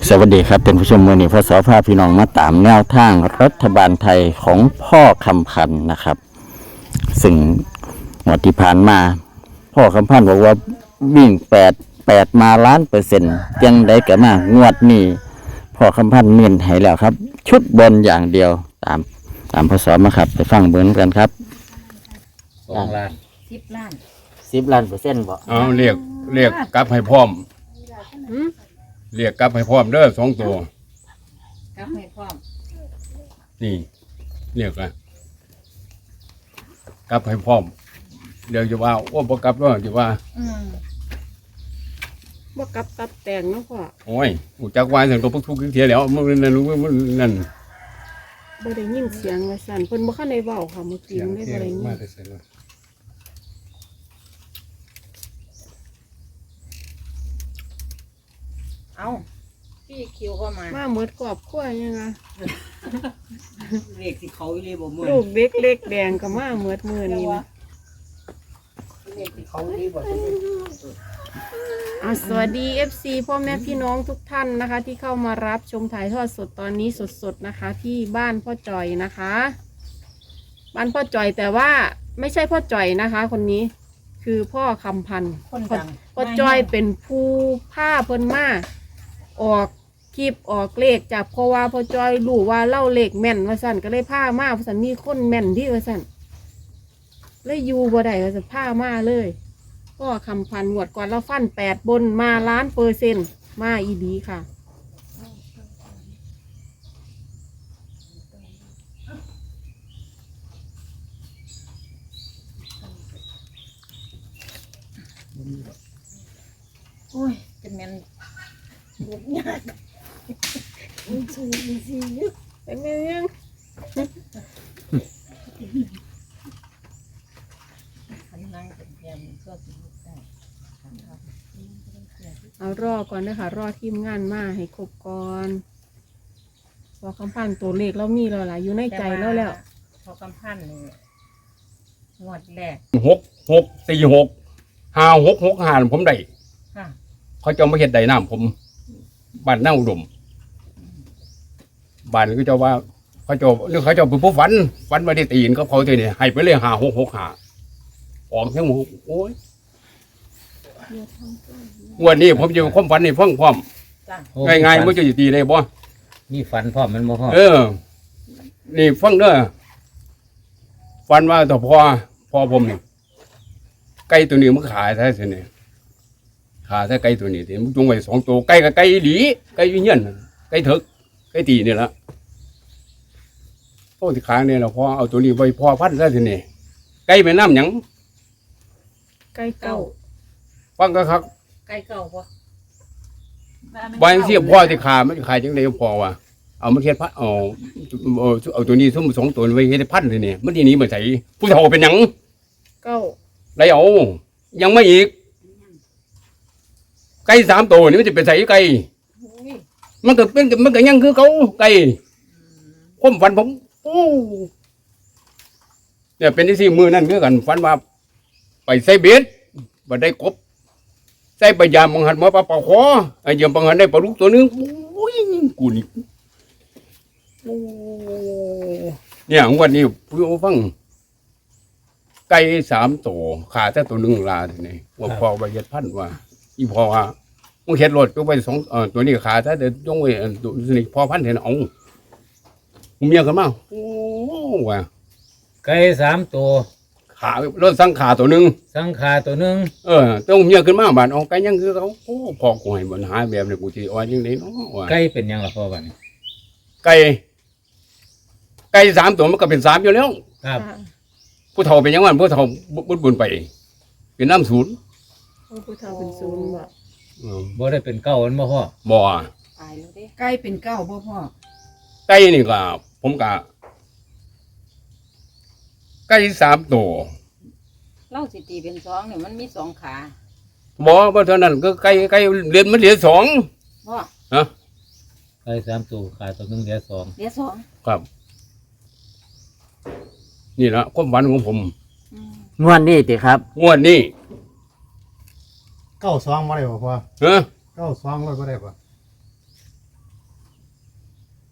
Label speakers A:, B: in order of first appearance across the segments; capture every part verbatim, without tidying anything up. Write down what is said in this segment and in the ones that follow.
A: สวัสดีครับเป็นผู้ชมมือนี้พศภาพี่น้องมาตามแนวทางรัฐบาลไทยของพ่อคำพันธ์นะครับซึ่งวันที่ผ่านมาพ่อคำพันธ์บอกว่าวิ่งแปดแปดมาล้านเปอร์เซ็นต์ยังได้กันมางวดนี้พ่อคำพันธ์เน้นให้แล้วครับชุดบนอย่างเดียวตามตามพศมาครับไปฟังเบิ้งกันครับ
B: สองล้าน
C: สิบล้าน
A: สิบล้านเปอร์เซ็นต์บ่
B: เอาเรียกเรียกกลับให้พร้อมเรียกกลับให้พร้อมเด้อสองตัว
C: กลับให้พร้อม
B: นี่เรียกอะกลับให้พร้อมเดี๋ยวจะว่าโอ้บ่กลับแล้วจะว่า
C: อืม
D: บ่กลับตับแต่งเนาะพ่อ
B: โอ้ยหูจักวายสั่งตัวพวกทุกข์เทียแล้วมันนั่นมันนั่น
D: บ่ได้ยินเสียงว่าสั่นเพิ่นบ่คันได้เว้าค่ะเมื่อกี้ไม่ได้บ่ได้ยิน
B: มาแต่เสร็จแล้ว
C: เอาพี่คิวก็มา
D: มาหมดครอบครัวยังไง
C: เรียกสิเขาเลยบ่เมื่อ
D: ลูกเด็กเล็กแดงก็มาหมดมื้อนี้นะ
C: เรียกสิเขาเลยบ่
D: อ่ะสวัสดี เอฟ ซี พ่อแม่พี่น้องทุกท่านนะคะ ที่เข้ามารับชมถ่ายทอดสดตอนนี้สดๆนะคะ ที่บ้านพ่อจอยนะคะ บ้านพ่อจอยแต่ว่าไม่ใช่พ่อจอยนะคะ คนนี้คือพ่อคำพันธ์
C: คนดัง
D: พ่อจอยเป็นผู้ผ้าเพิ่นมาออกคลิปออกเลขจากเพราะว่าพ่อจอยรู้ว่าเล่าเลขแม่นว่าสั่นก็เลยผ้ามาว่าสั่นมีคนแม่นที่ว่าสั่นเลยอยู่บ่ได้ว่าสั่นผ้ามาเลยพ่อคำพันธ์งวดก่อนเราฟันแปดบนมาล้านเปอร์เซ็นต์มาอีดีค่ะ
C: โอ้ยเป็นแม่นบุกยาก
D: เป็นไงยัง
C: คันนั่งเป็นแม่นก็สิลุกได้คันครับ
D: เอารอก่อนนะคะรอทีมงานมาให้ครบก่อนพอคำพันธ์ตัวเลขเรามีแล้วล่ะอยู่ในใจแล้วแล้ว
C: พอกำพันนี่งวดแรก
B: หกหกสี่หกห้าหกหกห้าผมได้
C: ค่ะ
B: เขาจะมาเฮ็ดได้น้ำผมบ้านหน้าอุดมบ้านก็จะว่าเขาจะนึกเขาจะเป็นผู้ฝันฝันมาได้ตีนก็เขาตีนี่ให้ไปเลยห้าหกหกห้าออกทั้งหมดโอ้ยวันนี้ผมจะความฝันนี่เพิ่งพร้อม
C: จ้ะ
E: โอ้
B: ง่ายๆมันจะอยู่ตีได้บ่
E: มีฝันพร้อมมันบ่พ่อ
B: เออ นี่ฟังเด้อฝันว่าต่อพอพอผมนี่ไก่ตัวนี้มันขายแท้สิเนี่ยขาแท้ไก่ตัวนี้ที่มันจงไว้สองตัวไก่กับไก่หลีไก่วิญญาณไก่เถิกไก่ตีนี่ละโอ้ที่ขาเนี่ยเราพอเอาตัวนี้ไว้พอพันแท้สิเนี่ยไก่แม่น้ำหยัง
D: ใกล้เก้า
B: ฟังก็ครับ
C: ไก่เก่าบ่
B: บางทีพ่อที่ขามันขายจังไดพอว่าเอามันเฮ็ดพันเอาเอาเอาตัวนี้ซุ่มสองตัวไว้เฮ็ดพันเลยเนี่ยมันทีนี้มันใส่ผู้เฒ่าเป็นหยัง
D: เก้า
B: ไรเอายังไม่อีกไก่สามตัวนี่มันจะเป็นใส่ไก่
C: อุ้ย
B: มันก็เป็นมันก็ยังคือเขาไก่ผมฝันผมโอ้เนี่ยเป็นที่สี่มือนั่นคือกันฝันว่าไปใส่เบ็ดบ่ได้กบใส่ปลายามบังหันมาปลาปลาคอไอ้เยี่ยมบังหันได้ปลาลูกตัวนึงโอ้ยกูนี่โอ้เนี่ยวันนี้ผู้ฟังไก่สามตัวขาแต่ตัวหนึ่งลาทีนี้ว่าพอไปเฮ็ดพันว่าอีพอว่ามึงเฮ็ดรถก็ไปสองเอ่อตัวนี้ขาแต่เดี๋ยวจงไว้อันตัวนี้พอพันเห็นเอามึงเมียกันมาโอ้ว่า
E: ไก่สามตัว
B: ขารถสังขาตัวหนึ่ง
E: สังขาตัวหนึ่ง
B: เออต้องเมียขึ้นมาบาดเอาไก่ยังคือเขาโอ้พอกูให้ปัญหาแบบนี้กูสิว่าจังได๋เนาะว่า
E: ไก่เป็นหยังล่ะพ่อบัดนี้
B: ไก่ไก่สามตัวมันก็เป็นสามอยู่แล้ว
E: ครับ
D: ค่ะ
B: ผู้เฒ่าเป็นหยังวันผู้เฒ่าบุญบุญไปเป็นน้ำศูนย์
D: โอ้ผู้เฒ่าเป็นศูนย์บ่
B: อืม
E: บ่ได้เป็นเก้ามันบ่พ่อ
B: บ่
C: ตายแล้วเด้
F: ใกล้เป็นเก้าพ่อพ่อ
B: ไก่นี่ก็ผมก็ไก่สามตัว
C: เล่าสิตีเป็นสองเนี่ยมันมีสองขา
B: บ่ว่าเท่านั้นก็ไก่ไก่เรียนมันเหลือสอง
C: พ่อ
B: นะ
E: ไก่สามตัวขาตัวหนึ่งเหลือสอง
C: เดี๋ยวสอง
B: ครับ นี่ละความฝันของผม
C: อืม
A: งวดนี้ติครับ
B: งวดนี้
G: เก้าสองมาได้ป่ะพ่อ
B: เออ
G: เก้าสองร้อยมาได้ป่ะ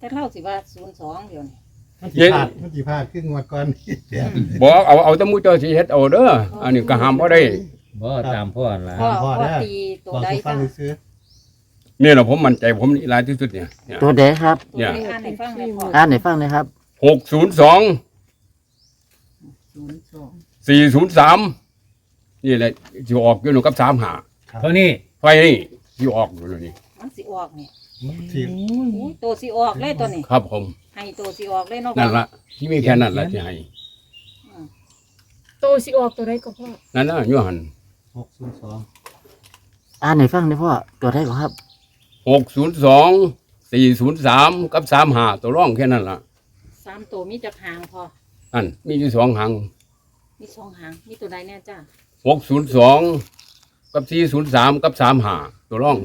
C: แต่เล่าสิว่าศูนย์สองเดี๋ยวนี้
F: มันสิพลาดมันสิพลาดคืองวดก่อนเดี๋ยว
B: บอกเอาเอาแตะมูเจ้าสิเฮ็ดเอาเด้ออันนี้ก็ห้ามบ่ได้
E: บ่ตามพ่อล่ะ
C: พ่อ
F: พ่อ
C: พ่อ
F: เด้อ
C: ตีตัว
F: บอก
C: ใด
F: ให้ฟั
C: จ้ะ
F: งซื้อ
B: นี่แหละผมมั่นใจผมนี่หลายที่สุดเนี่ยเนี่ย
A: ตัวเดครับ
C: ตัวใดอ่านให้ฟังเลยพ่อ
A: อ่านให้ฟังหนะครับ
B: หกศูนย์สอง
C: ศูนย์สอง
B: สี่ศูนย์สามนี่แหละสิออกอยู่หนูกับสามหา
E: เท่านี้
B: ไฟนี่สิออกอยู่นี่
C: มันสิออกนี่
F: ๆที่
C: อุ้ยตัวสิออกเลยตัวนี้
B: ครับผม
C: ให้ตัวสิออกเลยเนาะ
B: นั่นละที่มีแค่นั้นละที่ให้
D: โตสิออกตัวใดก็พ่อ
B: นั่นนะอยู่หัน
F: หกศูนย์สอง
A: อ่านให้ฟังหนะพ่อตัวใดก็ครับ
B: หกศูนย์สองสี่ศูนย์สามกับสามหาตัวร่องแค่นั้นละ
C: สามตัวมีจักหางพอ
B: นั่นมีอยู่สองหาง
C: มีสองหางมีตัวใดแน่จ้า
B: หกศูนย์สองกับสี่ศูนย์สามกับสามหาตัวร่อง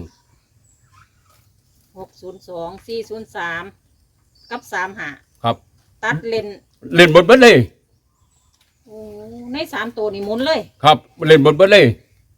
C: หกศูนย์สองสี่ศูนย์สามกับสามหา
B: ครับ
C: ตัดเลน
B: เล่นบทเบิดเลย
C: โอ้ในสามตัวนี่หมุนเลย
B: ครับเล่นบทเบิดเลย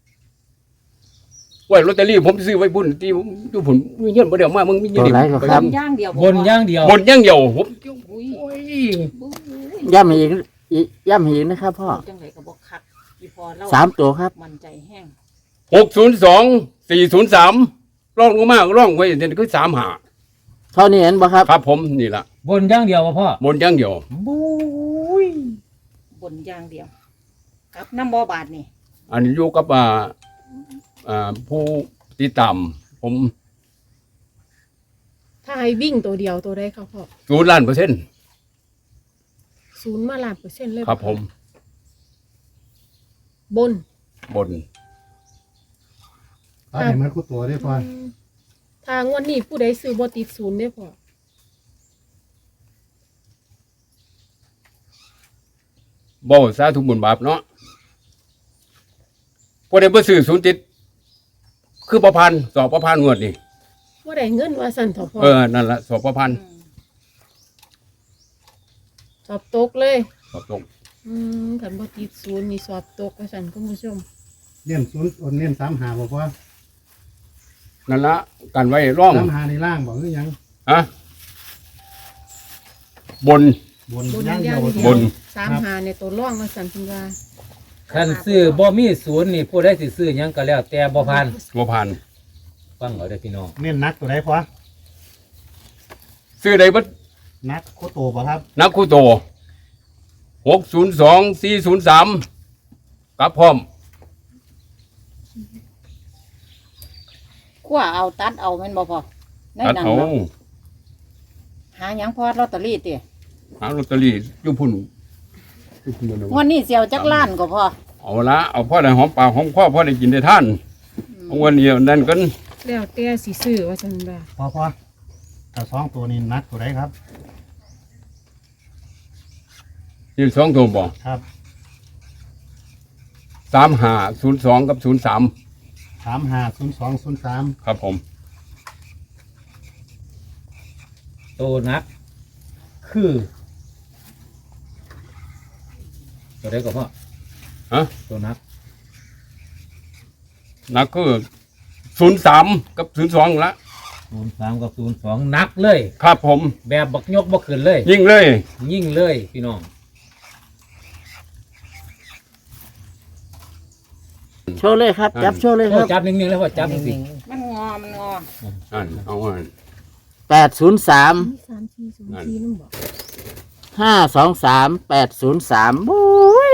B: ไว้ลอตเตอรี่ผมซื้อไว้บุญที่ผมอยู่ผลมีเงินบ่เดียวมามึงมีเงิน
A: ตัวไหนก็ครับ
C: บนย่างเดียว
E: บนอย่างเดียว
B: บนอย่างเดียวผม
C: อุ้ย
B: โอ้ย
C: บุ้ย
A: ย้ำให้อีกอีกย้ำให้อีกนะครับพ่อ
C: จังไรก็บอกคักอีพอเล่า
A: สามตัวครับ
C: มันใจแห้ง
B: หกศูนย์สองสี่ศูนย์สามร่องลงมาร่องไว้เดี๋ยวคือสามหา
A: เท่านี้เห็นบ่ครับ
B: ครับผมนี่ละ
E: บนอย่างเดียวบ่พ่อบ
B: นอย่างเดียว
E: บุ้ย
C: บนย่างเดียวกับน้ำบ่อบาดนี่
B: อันนี้อยู่กับอ่าอ่าผู้ติดตามผม
D: ถ้าให้วิ่งตัวเดียวตัวใดครับพ่อ
B: ศูนย์ล้านเปอร์เซ็นต์
D: ศูนย์มาล้านเปอร์เซ็นต์เลย
B: ครับผม
D: บน
B: บน
F: เอาให้มันคู่ตัวได้พอ
D: อืมทางวันนี้ผู้ใดซื้อบ่ติดศูนย์ได้พ่อ
B: บ่สาธุบุญบาปเนาะพอได้บ่ซื้อศูนย์ติดคือประพันธ์สอบประพันธ์งวดนี่
D: ว่าได้เงินว่าสั่นเถอะพ่อ
B: เออนั่นละสอบประพันธ์
C: อืม
D: สอบตกเลย
B: สอบตก
D: อืมขันบ่ติดศูนย์นี่สอบตกว่าสั่นคุณผู้ชม
F: เน้นศูนย์โอนเน้นสามหาบอกว่า
B: นั่นละกันไว้ร่อง
F: สามหาในล่างบอกหรือยัง
B: อะบน
F: บน
D: บน
F: ย่างเดี
D: ย่า
F: ยว
D: งเดีย
B: บ
D: วน สาม
F: ครับ
D: หาในตัวร่องว่าสั่นคุณว่า
E: คันซื้อบ่มีศูนย์นี่ผู้ใดสิซื้อหยังก็แล้วแต่บ่ผ่าน
B: บ่พันธ์
E: ฟังเอาเด้อพี่น้อง
F: เน้นนักตัวใดพอ
B: ซื้อได้เบ่
F: นักโคโตบ่ครับ
B: นักคู่โตหกศูนย์สองสี่ศูนย์สามกับพร้อม
C: ขั้วเอาตัดเอาแม่นบ่พอใน
B: ตัด
C: นั้น
B: เอา
C: เนาะหาหยังพอลอตเตอรี่ติ
B: หาลอตเตอรี่อยู่พุ่นอยู่พุ่นนั่น
C: งวันนี้เสียวจักล้านก็พอ
B: เอาละเอาพ่อได้หอมปากหอมคอพ่อได้กินได้ท่านเอาวันนี้นั่นกัน
D: แล้วแต่สิซื้อว่าสั่นว่า
F: พอพอแต่สองตัวนี้นักตัวใดครับ
B: ที่สองตัวบ่
F: ครับ
B: สามห้าศูนย์สองกับศูนย์สาม
F: สามหาศูนย์สองศูนย์สาม
B: ครับผม
E: โตนัก คือตัวใดก็พ่อ
B: ฮะ
E: ตัวนัก
B: นักคือศูนย์สามกับศูนย์สองละ
E: ศูนย์สามกับศูนย์สองนักเลย
B: ครับผม
E: แบบบักยกบ่ขึ้นเลย
B: ยิ่งเลย
E: ยิ่งเลยพี่น้อง
A: โชว์เลยครับ จับโชว์เลยค
E: โอ้
A: รับ
E: จับนิ่งๆแล้วพ่อจับจริง
C: มันงอมันงอ
B: อันเอาอัน
A: แปดศูนย์สาม
D: มีสามสี่ศูนย์สี่นั่นบอก
A: ห้าสองสามแปดศูนย์สามบุ้ย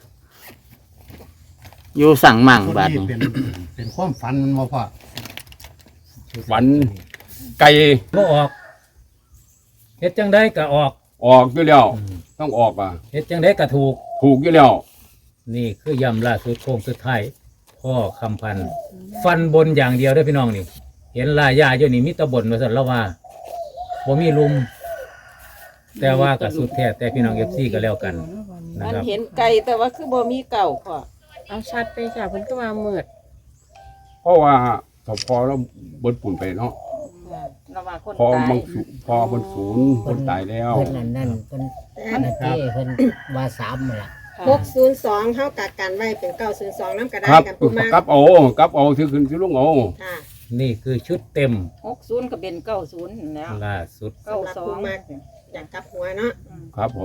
A: อยู่สั่งมั่ง
F: คน
A: บาด
F: นี้
A: นี้
F: เป็นเป็นความฝันมันบ่พอ
B: ฝันไก่
E: ๆบ่ออกเฮ็ดจังไดก็ออก
B: ออกอยู่แล้ว
E: อืม
B: ต้องออกอ่ะ
E: เฮ็ดจังไดก็ถูก
B: ถูกอยู่แล้ว
E: นี่คือยำล่าสุดโค้งสุดท้ายพ่อคำพันธ์ฟันบนอย่างเดียวเด้อพี่น้องนี่ เห็นลายยาอยู่นี่มีแตะบนว่าซั่นแล้วว่าบ่มีลุม แต่ว่าก็สุดแท้แต่พี่น้อง เอฟ ซี ก็แล้วกันนะ
C: มัน
E: ครับ
C: เห็นไก่แต่ว่าคือบ่มีเก่าพอ
D: เอาชัดไปจ้ะเพิ่นก็ว่าเมิด
B: เพราะว่าสพอแล้วเบิดปุ่นไปเนาะ
C: ระว่าคน
B: พอ
C: ตาย
B: บางสูพอบนศูนย์คนตายแล้ว
G: เพิ่นนั่นนั่นเพิ่นนั่นเจ้เพิ่นว่าสามนั่นล่ะ
C: ค่ะ
H: หกศูนย์สองเท่ากับกันไว้เป็นเก้าศูนย์สองน้ำกระได้
B: ครับ
H: กันผู้มาก
B: กลับเอากลับเอาซื้อขึ้นซื้อลงเอา
H: ค่ะ
E: นี่คือชุดเต็ม
C: หกศูนย์ก็เป็นเก้าศูนย์แล้ว
E: ล่าสุด
C: เก้าสอง
H: อยากกลับหัวเนาะ
B: ครับผม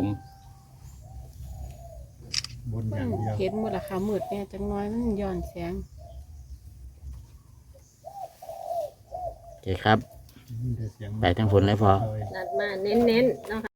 F: บนอย่างเดียว
D: เห็นหมดละค่ะมืดแน่จังน้อยมันย้อนแสง
A: โอเคครับ
F: มีแต่เสียง
A: ไปทั้งฝนเลยพอ
F: เลย
H: นัดมาเน้นๆเนาะค่ะ